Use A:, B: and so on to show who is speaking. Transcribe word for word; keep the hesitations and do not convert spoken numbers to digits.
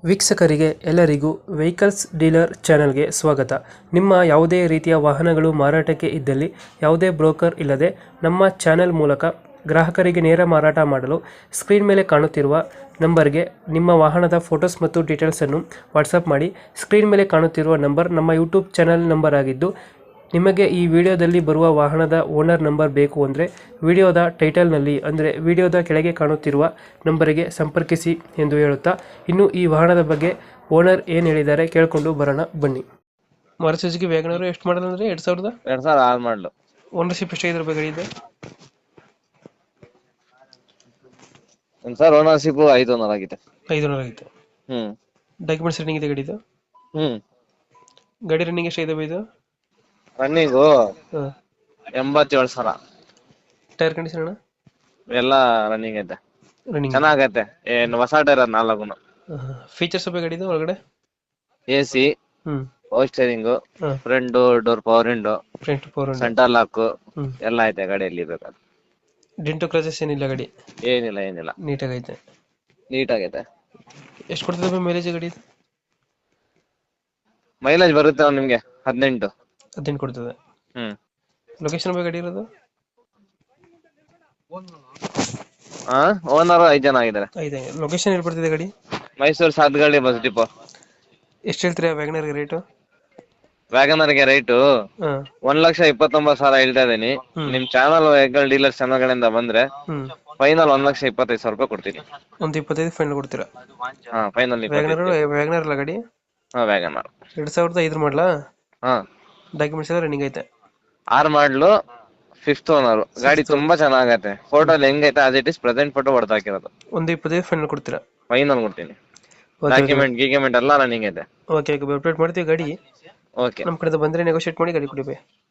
A: ವೀಕ್ಷಕರಿಗೆ ಎಲ್ಲರಿಗೂ vehicles dealer ಚಾನೆಲ್ಗೆ ಸ್ವಾಗತ. ನಿಮ್ಮ ಯಾವುದೇ ರೀತಿಯ ವಾಹನಗಳು ಮಾರಾಟಕ್ಕೆ ಇದ್ದಲ್ಲಿ ಯಾವುದೇ ಬ್ರೋಕರ್ ಇಲ್ಲದೆ ನಮ್ಮ ಚಾನೆಲ್ ಮೂಲಕ ಗ್ರಾಹಕರಿಗೆ ನೇರ ಮಾರಾಟ ಮಾಡಲು ಸ್ಕ್ರೀನ್ ಮೇಲೆ ಕಾಣುತ್ತಿರುವ ನಂಬರ್ಗೆ ನಿಮ್ಮ ವಾಹನದ ಫೋಟೋಸ್ ಮತ್ತು ಡೀಟೇಲ್ಸನ್ನು ವಾಟ್ಸಪ್ ಮಾಡಿ. ಸ್ಕ್ರೀನ್ ಮೇಲೆ ಕಾಣುತ್ತಿರುವ ನಂಬರ್ ನಮ್ಮ ಯೂಟ್ಯೂಬ್ ಚಾನೆಲ್ ನಂಬರ್ ಆಗಿದ್ದು, ನಿಮಗೆ ಈ ವಿಡಿಯೋದಲ್ಲಿ ಬರುವ ವಾಹನದ ಓನರ್ ನಂಬರ್ ಬೇಕು ಅಂದರೆ ವಿಡಿಯೋದ ಟೈಟಲ್ನಲ್ಲಿ ಅಂದರೆ ವಿಡಿಯೋದ ಕೆಳಗೆ ಕಾಣುತ್ತಿರುವ ನಂಬರಿಗೆ ಸಂಪರ್ಕಿಸಿ ಎಂದು ಹೇಳುತ್ತಾ, ಇನ್ನು ಈ ವಾಹನದ ಬಗ್ಗೆ ಓನರ್ ಏನು ಹೇಳಿದ್ದಾರೆ ಕೇಳಿಕೊಂಡು ಬರೋಣ ಬನ್ನಿ. ಮಾರುತಿ ಸುಜುಕಿ ವ್ಯಾಗನರ್ ಎಷ್ಟು ಮಾಡಲ್ ಅಂದರೆ ಎರಡು ಸಾವಿರದ
B: ಎರಡ್ ಸಾವಿರ ಆರು ಮಾಡಲು.
A: ಓನರ್ಶಿಪ್ ಎಷ್ಟಾಗಿದ್ರ ಬಗ್ಗೆ ಇದೆ?
B: ಸರ್ ಓನರ್ಶಿಪ್ ಐದು ಓನರ್ ಆಗಿದೆ.
A: ಐದು ನೂರ ಆಗಿದೆ.
B: ಹ್ಮ್
A: ಡಾಕ್ಯುಮೆಂಟ್ಸ್ ರನ್ನಿಂಗ್ ಇದೆ ಗಾಡಿದು?
B: ಹ್ಮ್
A: ಗಾಡಿ ರನ್ನಿಂಗ್ ಎಷ್ಟಾಗಿದೆ ಇದು?
B: ರನ್ನಿಂಗು
A: ಹಾಂ.
B: ಎಂಬತ್ತೇಳು ಸಾವಿರ.
A: ಟೈರ್ ಕಂಡೀಷನ್ ಅಣ್ಣ?
B: ಎಲ್ಲ ರನ್ನಿಂಗ್ ಐತೆ,
A: ರನ್ನಿಂಗ್
B: ಚೆನ್ನಾಗೈತೆ. ಏನ್ ಹೊಸ ಟೈರ್ ನಾಲ್ಕು.
A: ಫೀಚರ್ಸ್ ಬಗ್ಗೆ ಗಾಡಿದು ಒಳಗಡೆ?
B: A C,
A: hmm
B: power steering,
A: ಹಾಂ.
B: Front door power window,
A: front four
B: centre lock
A: hmm.
B: ಎಲ್ಲ ಐತೆ ಗಾಡಿಯಲ್ಲಿ. ಬೇಕಾದ್ರೆ
A: ಡೆಂಟು ಕ್ರಾಚಸ್ ಏನಿಲ್ಲ ಗಾಡಿ?
B: ಏನಿಲ್ಲ ಏನಿಲ್ಲ
A: ನೀಟಾಗೈತೆ.
B: ನೀಟಾಗೈತೆ.
A: ಎಷ್ಟು ಕೊಡ್ತದೆ ಮೈಲೇಜ್ ಗಾಡಿ?
B: ಮೈಲೇಜ್ ಬರುತ್ತೆ ಅವ್ನು ನಿಮ್ಗೆ ಹದಿನೆಂಟು.
A: ಹದಿನೆಂಟು ಕೊಡ್ತದೆ.
B: ಹ್ಮ್
A: ಲೊಕೇಶನ್ ಬಗ್ಗೆ ಗಾಡಿ ಇರೋದು?
B: ಹಾ ಓನರ್ ಐದ್ ಜನ ಆಗಿದ್ದಾರೆ.
A: ಐದು. ಲೊಕೇಶನ್ ಎಲ್ಲಿ ಬರ್ತಿದೆ ಗಾಡಿ?
B: Mysuru Sathagalli bus depot.
A: ಎಷ್ಟು ಹೇಳ್ತೀರಾ ವ್ಯಾಗನರ್ಗೆ ರೇಟು?
B: ವ್ಯಾಗನರ್ಗೆ ರೈಟು
A: ಹಾಂ.
B: ಒಂದ್ ಲಕ್ಷ ಇಪ್ಪತ್ತೊಂಬತ್ತು ಸಾವಿರ ಹೇಳ್ತಾ ಇದೀನಿ.
A: ಹ್ಮ್.
B: ನಿಮ್ ಚಾನಲ್ ವೆಹಿಕಲ್ ಡೀಲರ್ ಚಾನಲ್ ಗಳಿಂದ ಬಂದ್ರೆ
A: ಹ್ಞೂ.
B: ಫೈನಲ್ ಒಂದ್ ಲಕ್ಷ ಇಪ್ಪತ್ತೈದು ಸಾವಿರ ರೂಪಾಯಿ ಕೊಡ್ತೀನಿ.
A: ಒಂದು ಇಪ್ಪತ್ತೈದು ಫೈನಲ್ ಕೊಡ್ತೀರಾ?
B: ಹಾ ಫೈನಲ್
A: ವ್ಯಾಗನರ್ ವ್ಯಾಗನರ್ ಅಲ್ಲ ಗಾಡಿ?
B: ಹಾ ವ್ಯಾಗನರ್
A: ಎರಡು ಸಾವಿರದ ಐದು ಮಾಡಲಾ?
B: ಹಾ
A: ಡಾಕ್ಯುಮೆಂಟ್ಸ್ ಎಲ್ಲ ರನ್ನಿಂಗ್ ಐತೆ?
B: ಆರ್ ಮಾಡ್ಲು, ಫಿಫ್ತ್ ಓನರ್. ಗಾಡಿ ತುಂಬಾ ಚೆನ್ನಾಗೈತೆ. ಫೋಟೋ ಹೆಂಗೈತೆ as it is present photo ಹೊಡೆದು ಹಾಕಿರೋದು.
A: ಒಂದು ಇಪ್ಪತ್ತೈದು ಫೈನಲ್ ಕೊಡ್ತೀರಾ?
B: ಫೈನಲ್ ಕೊಡ್ತೀನಿ.
A: ಓಕೆ
B: ಡಾಕ್ಯುಮೆಂಟ್ ಗೀಕ್ಯುಮೆಂಟ್ ಎಲ್ಲ ರನ್ನಿಂಗ್ ಐತೆ.
A: ಓಕೆ ಓಕೆ ಅಪ್ಡೇಟ್ ಮಾಡ್ತೀವಿ ಗಾಡಿ.
B: ಓಕೆ
A: ನಮ್ಮ ಕಡೆಯಿಂದ ಬಂದರೆ ನೆಗೋಷಿಯೇಟ್ ಮಾಡಿ ಗಾಡಿ ಕೊಡಿ ಬೈ.